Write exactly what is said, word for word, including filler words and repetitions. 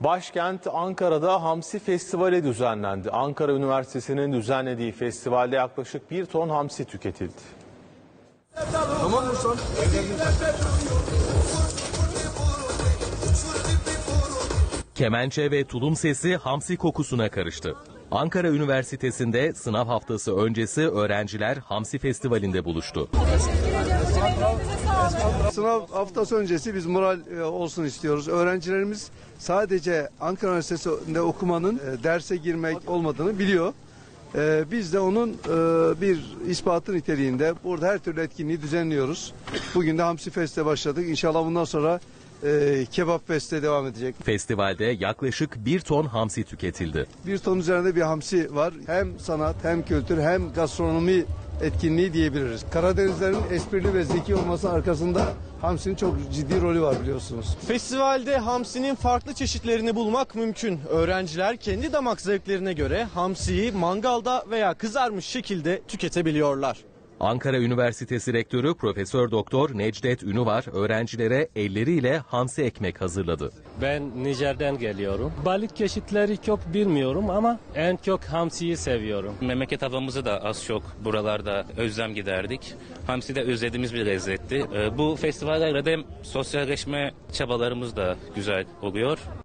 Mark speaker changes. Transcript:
Speaker 1: Başkent Ankara'da Hamsi Festivali düzenlendi. Ankara Üniversitesi'nin düzenlediği festivalde yaklaşık bir ton hamsi tüketildi.
Speaker 2: Tamam mı son?
Speaker 3: Kemençe ve tulum sesi hamsi kokusuna karıştı. Ankara Üniversitesi'nde sınav haftası öncesi öğrenciler Hamsi Festivali'nde buluştu.
Speaker 2: Sınav haftası öncesi biz moral olsun istiyoruz. Öğrencilerimiz sadece Ankara Üniversitesi'nde okumanın derse girmek olmadığını biliyor. Biz de onun bir ispatı niteliğinde burada her türlü etkinliği düzenliyoruz. Bugün de Hamsi Fest'e başladık. İnşallah bundan sonra Ee, Kebap Fest'e devam edecek.
Speaker 3: Festivalde yaklaşık bir ton hamsi tüketildi.
Speaker 2: Bir ton üzerinde bir hamsi var. Hem sanat hem kültür hem gastronomi etkinliği diyebiliriz. Karadenizlerin esprili ve zeki olması arkasında hamsinin çok ciddi rolü var biliyorsunuz.
Speaker 4: Festivalde hamsinin farklı çeşitlerini bulmak mümkün. Öğrenciler kendi damak zevklerine göre hamsiyi mangalda veya kızarmış şekilde tüketebiliyorlar.
Speaker 3: Ankara Üniversitesi Rektörü Profesör Doktor Necdet Ünüvar öğrencilere elleriyle hamsi ekmek hazırladı.
Speaker 5: Ben Nijer'den geliyorum. Balık çeşitleri çok bilmiyorum ama en çok hamsiyi seviyorum.
Speaker 6: Memleket havamızı da az çok buralarda özlem giderdik. Hamsi de özlediğimiz bir lezzetti. Bu festivallerde hem sosyalleşme çabalarımız da güzel oluyor